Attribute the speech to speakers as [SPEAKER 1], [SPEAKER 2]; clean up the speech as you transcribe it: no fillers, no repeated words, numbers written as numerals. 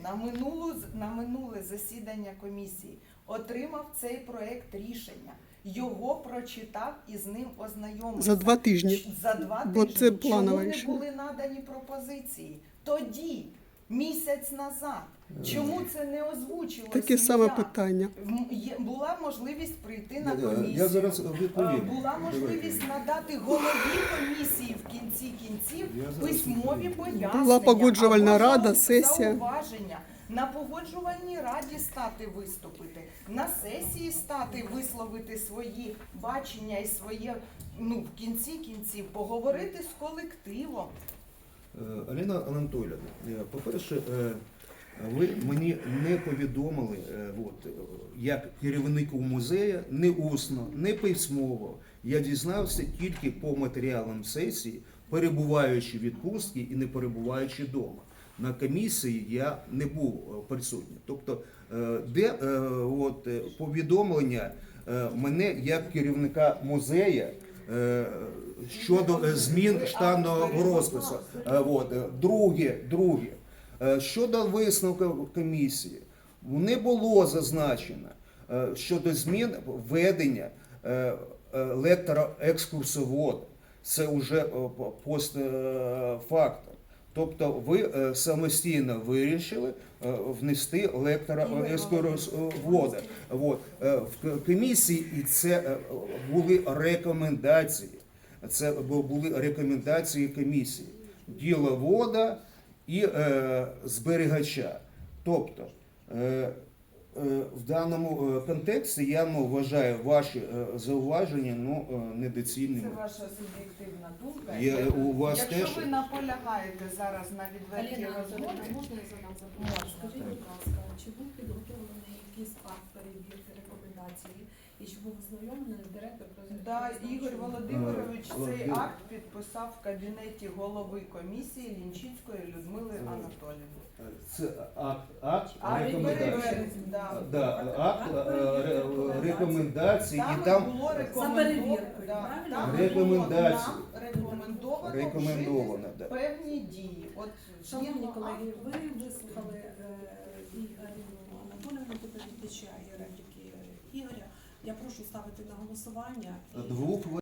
[SPEAKER 1] на минуле засідання комісії, отримав цей проект рішення, його прочитав і з ним ознайомився.
[SPEAKER 2] За 2 тижні.
[SPEAKER 1] За 2
[SPEAKER 2] Бо
[SPEAKER 1] тижні.
[SPEAKER 2] це планове
[SPEAKER 1] Чому не
[SPEAKER 2] рішення.
[SPEAKER 1] були надані пропозиції? Тоді, місяць назад. Чому це не озвучилося?
[SPEAKER 2] Таке саме
[SPEAKER 1] ніяк?
[SPEAKER 2] питання.
[SPEAKER 1] Була можливість прийти на комісію.
[SPEAKER 3] Я зараз відповім.
[SPEAKER 1] Була можливість надати голові комісії в кінці кінців письмові пояснення.
[SPEAKER 2] Була погоджувальна
[SPEAKER 1] або
[SPEAKER 2] рада, сесія.
[SPEAKER 1] зауваження. На погоджувальній раді стати виступити, на сесії стати висловити свої бачення і своє, в кінці кінців поговорити з колективом.
[SPEAKER 3] Аліна Анатоліївна, по-перше, ви мені не повідомили, як керівнику музею, не усно, не письмово. Я дізнався тільки по матеріалам сесії, перебуваючи в відпустці і не перебуваючи вдома. На комісії я не був присутній. Тобто, де повідомлення мене як керівника музею щодо змін штатного розпису. Друге, щодо висновку комісії, не було зазначено щодо змін введення лектора-екскурсовода. Це вже постфактум. Тобто ви самостійно вирішили внести лектора-екскурсовода. В комісії і це були рекомендації. Це були рекомендації комісії. Діловода і зберігача. Тобто в даному контексті я вважаю ваші зауваження недоцільними.
[SPEAKER 1] Це ваша суб'єктивна думка.
[SPEAKER 3] У вас
[SPEAKER 1] Якщо
[SPEAKER 3] теж...
[SPEAKER 1] ви наполягаєте зараз на відвертій
[SPEAKER 4] Аліна
[SPEAKER 1] розмові,
[SPEAKER 4] Анатоліївна, можна я задам запитання?
[SPEAKER 1] Можна.
[SPEAKER 4] Скажіть, будь ласка, чи був підготовлений якийсь акт перевірки рекомендації і чи був ознайомлений директор
[SPEAKER 1] да,
[SPEAKER 4] розвитку?
[SPEAKER 1] Ігор Володимирович цей акт підписав в кабінеті голови комісії Лінчицької Людмили Анатоліївни.
[SPEAKER 3] Це акт рекомендації. Акт рекомендації і там
[SPEAKER 1] було
[SPEAKER 4] За перевіркою, правильно?
[SPEAKER 3] Рекомендації.
[SPEAKER 1] Рекомендовано вжити певні дії. От
[SPEAKER 4] Шановні
[SPEAKER 1] згідно
[SPEAKER 4] колеги,
[SPEAKER 1] акту-
[SPEAKER 4] ви вислухали і Аліну Анатоліївну, доповідача, і репліки Ігоря. Я прошу ставити на голосування.
[SPEAKER 3] Двох